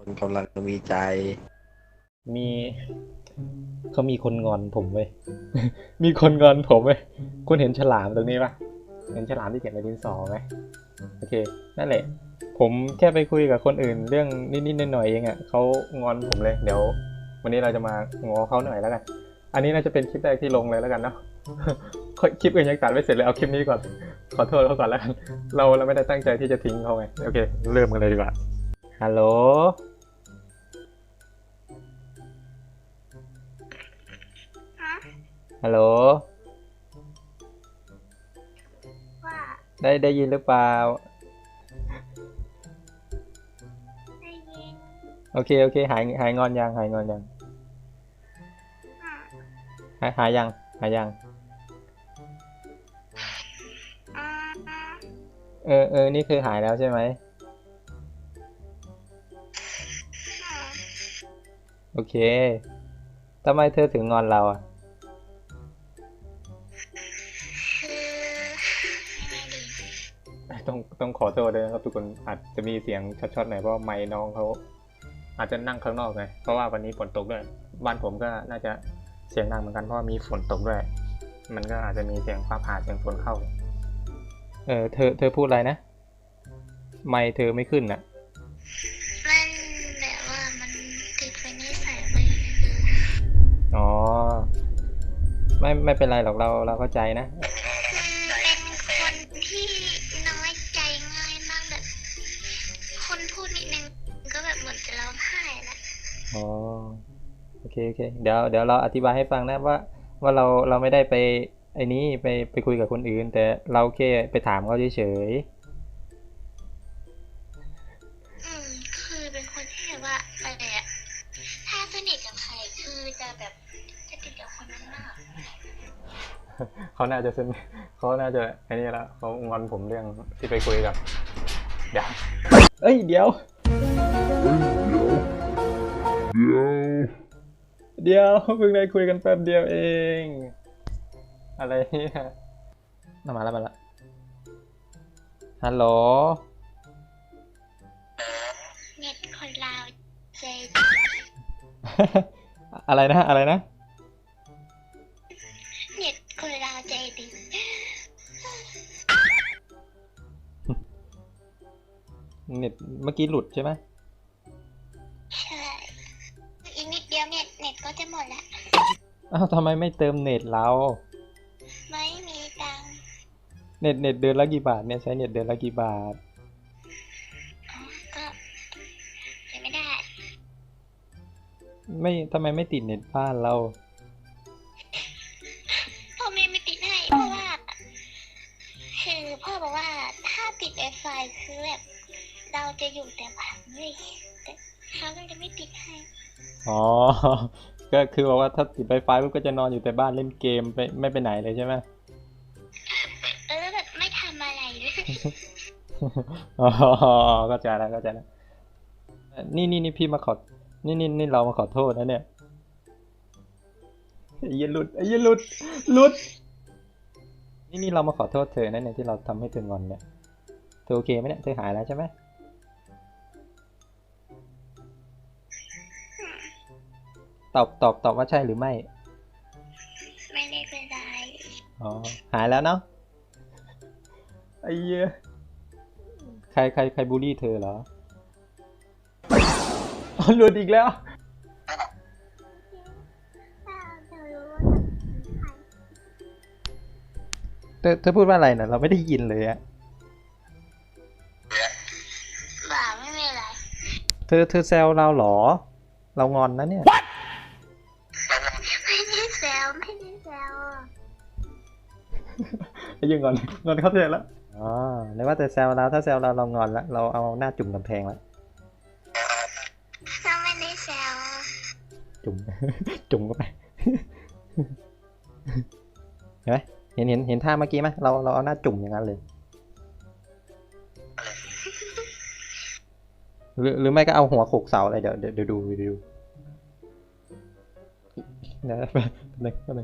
กำลังมีใจมีเขามีคนงอนผมเว้ย มีคนงอนผมเว้ยคุณเห็นฉลามตรงนี้ปะเห็นฉลามที่เขียนในดินสอไหมโอเคนั่นแหละผมแค่ไปคุยกับคนอื่นเรื่องนิดๆหน่อยๆเองอ่ะเขางอนผมเลยเดี๋ยววันนี้เราจะมางอเขาหน่อยแล้วกันอันนี้น่าจะเป็นคลิปแรกที่ลงเลยแล้วกันเนาะ คลิปอื่นยังตัดไม่เสร็จเลยเอาคลิปนี้ก่อนขอโทษเขาก่อนแล้วกันเราไม่ได้ตั้งใจที่จะทิ้งเขาไงโอเคเริ่มกันเลยดีกว่าฮัลโหลฮัลโหลว่าได้ยินหรือเปล่าได้ยินโอเคหายงอนยังหายงอนยังหายยังอ่านี่คือหายแล้วใช่ไหมโอเคทำไมเธอถึงงอนเราอ่ะต้องขอโทษด้วยนะครับทุกคนอาจจะมีเสียงช็อตๆหน่อยเพราะไมค์น้องเขาอาจจะนั่งข้างนอกไงเพราะว่าวันนี้ฝนตกด้วยบ้านผมก็น่าจะเสียงดังเหมือนกันเพราะมีฝนตกด้วยมันก็อาจจะมีเสียงฟ้าผ่าเสียงฝนเข้าเธอพูดอะไรนะไมค์เธอไม่ขึ้นอ่ะมันแบบว่ามันติดเป็นนิสัยเลยอ๋อไม่เป็นไรหรอกเราเข้าใจนะเป็นคนที่น้อยใจง่ายมากแบบคนพูดนิดนึงก็แบบเหมือนจะร้องไห้ละอ๋อโอเคเดี๋ยวเราอธิบายให้ฟังนะว่าเราไม่ได้ไปไอ้นี้ไปคุยกับคนอื่นแต่เราแค่ไปถามเขาเฉยคือเป็นคนที่แบบว่าอะไรอะถ้าสนิทกับใครคือจะแบบจะติดกับคนนั้นมากๆเขาน่าจะไอ้นี่ละเขางอนผมเรื่องที่ไปคุยกับเดี๋ยวเดี๋ยวเพิ่งได้คุยกันแป๊บเดียวเองอะไรเนี่ยมาแล้วฮัลโหลเน็ตคนลาวใจอะไรนะเน็ตคนลาวใจดีเน็ตเมื่อกี้หลุดใช่ไหมใช่อีกนิดเดียวเน็ตก็จะหมดละอ้าวทำไมไม่เติมเน็ตเราไม่มีตังค์เน็ตเดือนละกี่บาทเนี่ยใช้เน็ตเดือนละกี่บาทก็ใช้ไม่ได้ไม่ทำไมไม่ติดเน็ตบ้านเราพ่อแม่ไม่ติดให้เพราะว่าคือพ่อบอกว่าถ้าติด Wi-Fi คือแบบเราจะอยู่แต่บ้านเลยแต่เขาก็จะไม่ติดให้อ๋อก็คือบอกว่าถ้าติดไฟฟ้าปุ๊บก็จะนอนอยู่แต่บ้านเล่นเกมไปไม่ไปไหนเลยใช่ไหมแบบไม่ทำอะไรเลยอ๋อเข้าใจแล้วนี่พี่มาขอนี่เรามาขอโทษนะเนี่ยไอ้เหี้ยหลุดนี่เรามาขอโทษเธอนะเนี่ยที่เราทำให้เธองอนเนี่ยเธอโอเคไหมเนี่ยเธอหายแล้วใช่ไหมตอบว่าใช่หรือไม่ไม่ได้เป็นไรอ๋อหายแล้วเนาะไอ้เหี้ยใครบูลลี่เธอเหรออ๋อหลุดอีกแล้วเธอพูดว่าอะไรนะเราไม่ได้ยินเลยอะบ่าไม่มีอะไรเธอแซวเราเหรอเรางอนนะเนี่ยไม่ได้แซวไอ้ยังงอนเขาเธอแล้วอ๋อนึกว่าแต่แซวเราถ้าแซวเรางอนแล้วเราเอาหน้าจุ่มกำแพงแล้วเราไม่ได้แซวจุ่มจุ่มเข้าไปเห็นไหมเห็นท่าเมื่อกี้ไหมเราเอาหน้าจุ่มอย่างนั้นเลยหรือไม่ก็เอาหัวโขกเสาอะไรเดี๋ยวดูนะแป๊บนึง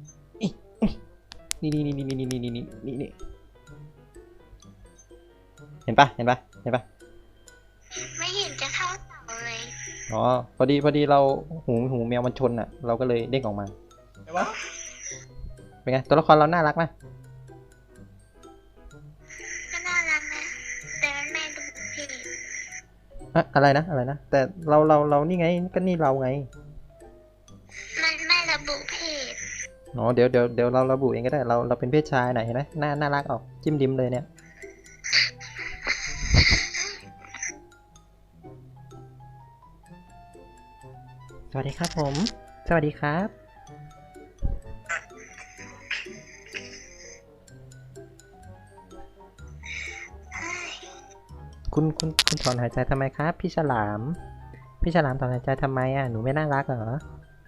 นี่เห็นปะไม่เห็นจะเข้าเสาเลยอ๋อพอดีเราหูแมวมันชนอ่ะ เราก็เลยเด้งออกมาเป็นไงตัวละครเราน่ารักไหมก็น่ารักนะแต่มันไม่ดูเพจอะอะไรนะแต่เรานี่ไงก็นี่เราไงมันไม่ระบุเพศอ๋อเดี๋ยวเราระบุเองก็ได้เราเป็นเพศชายหน่อยเห็นไหมน่ารักออกจิ้มดิมเลยเนี่ยสวัสดีครับผมสวัสดีครับคุณถอนหายใจทำไมครับพี่ฉลามถอนหายใจทำไมอ่ะหนูไม่น่ารักเหรอ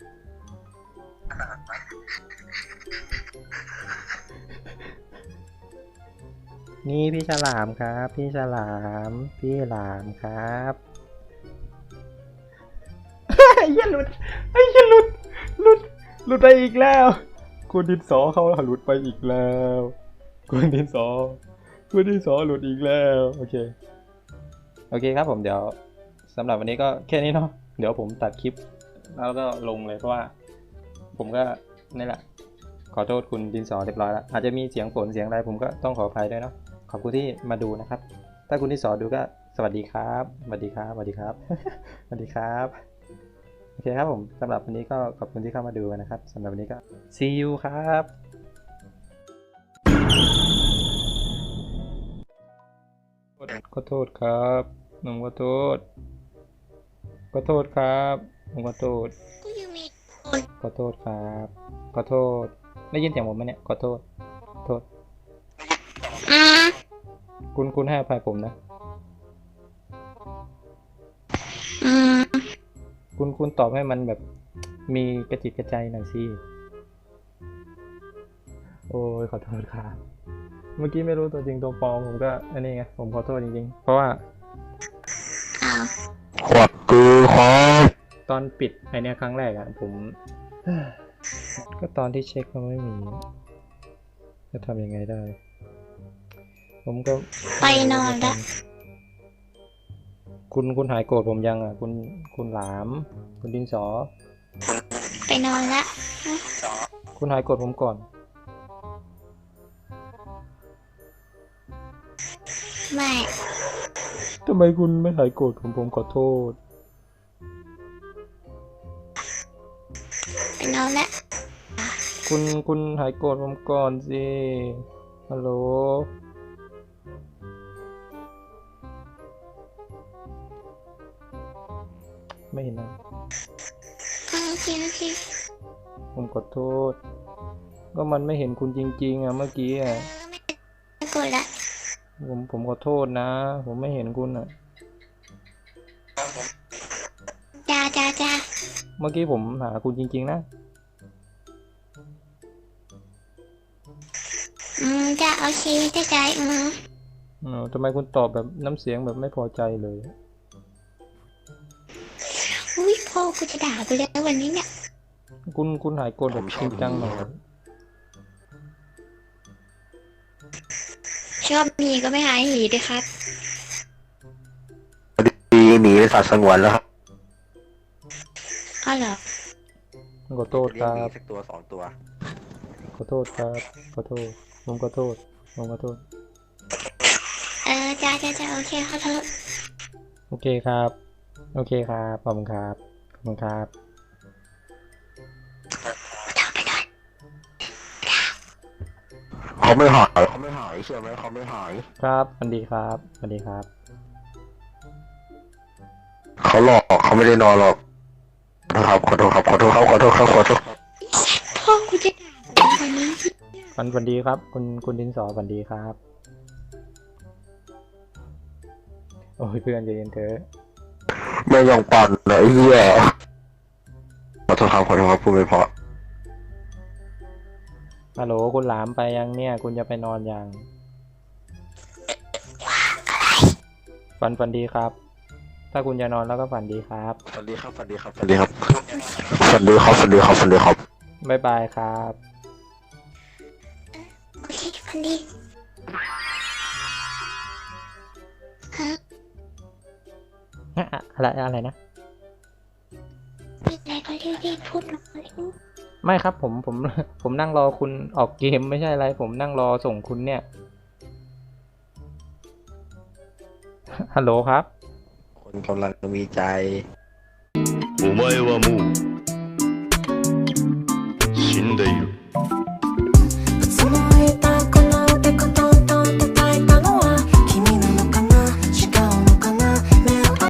นี่พี่ฉลามครับพี่ฉลามครับไอ้เหี้ยหลุดหลุดไปอีกแล้วคุณดินสอเขาหลุดไปอีกแล้วคุณดินสอหลุดอีกแล้วโอเคครับผมเดี๋ยวสำหรับวันนี้ก็แค่นี้เนาะเดี๋ยวผมตัดคลิปแล้วก็ลงเลยเพราะว่าผมก็นี่แหละขอโทษคุณดินสอเรียบร้อยแล้วอาจจะมีเสียงฝนเสียงอะไรผมก็ต้องขออภัยด้วยเนาะขอบคุณที่มาดูนะครับถ้าคุณดินสอดูก็สวัสดีครับสวัสดีครับ สวัสดีครับโอเคครับผมสำหรับวันนี้ก็ขอบคุณที่เข้ามาดูนะครับสำหรับวันนี้ก็ see you ครับขอโทษครับผมขอโทษครับผมขอโทษก็ยังมีขอโทษครับขอโทษได้ยินเสียงผมไหมเนี่ยขอโทษอืมคุณให้อภัยผมนะอืมคุณตอบให้มันแบบมีกระจิตกระใจหน่อยสิโอ้ยขอโทษครับเมื่อกี้ไม่รู้ตัวจริงตัวปลอมผมก็อันนี้ไงผมขอโทษจริงๆเพราะว่าอ้าวขวดคือครับตอนปิดไอเนี้ยครั้งแรกอะผม ก็ตอนที่เช็คมันไม่มีจะทำยังไงได้ ผมก็ไปนอนแล้วคุณหายโกรธผมยังอ่ะคุณหลามคุณดินสอไปนอนแล้วคุณหายโกรธผมก่อนไม่ทำไมคุณไม่หายโกรธผมขอโทษไปนอนแล้วคุณหายโกรธผมก่อนสิฮัลโหลไม่เห็นนะโอเคผมขอโทษก็มันไม่เห็นคุณจริงๆอ่ะเมื่อกี้อ่ะไม่กดละผมขอโทษนะ ผมไม่เห็นคุณอ่ะจ้าเมื่อกี้ผมหาคุณจริงๆนะจ้าโอเคใจทำไมคุณตอบแบบน้ำเสียงแบบไม่พอใจเลยอุ้ยพ่อกูจะด่ากูแล้ววันนี้เนี่ยคุณหายโกรธแบบจริงจังหน่อยชอบมีก็ไม่หายหีดิครับดีหนีไปสัตว์สงวนแล้วครับอ้าวเหรอขอโทษครับสักตัวสองตัวขอโทษครับขอโทษผมขอโทษจ้าโอเคขอโทษโอเคครับขอบคุณครับไปนอนเขาไม่หายเชื่อไหมเขาไม่หายครับสวัสดีครับเขาหลอกเขาไม่ได้นอนหรอกนะครับขอโทษครับพ่อกูจะด่ากูวันนี้สวัสดีครับคุณดินสอสวัสดีครับ โอ้ยเพื่อนใจเย็นเถอะไม่ยอมปั่นนะไอ้เหี้ยขอโทษครับพูดไม่เพอฮัลโหลคุณหลามไปยังเนี่ยคุณจะไปนอนยังฝันดีครับ ถ้าคุณจะนอนแล้วก็ฝันดีครับสวัสดีครับบ๊ายบายครับโอเคพันดีฮะอะไรนะรีบพูดหน่อยไม่ครับผมนั่งรอคุณออกเกมไม่ใช่อะไร ผมนั่งรอส่งคุณเนี่ย ฮัลโหลครับคนกำลังมีใจお前はもう死んでいる。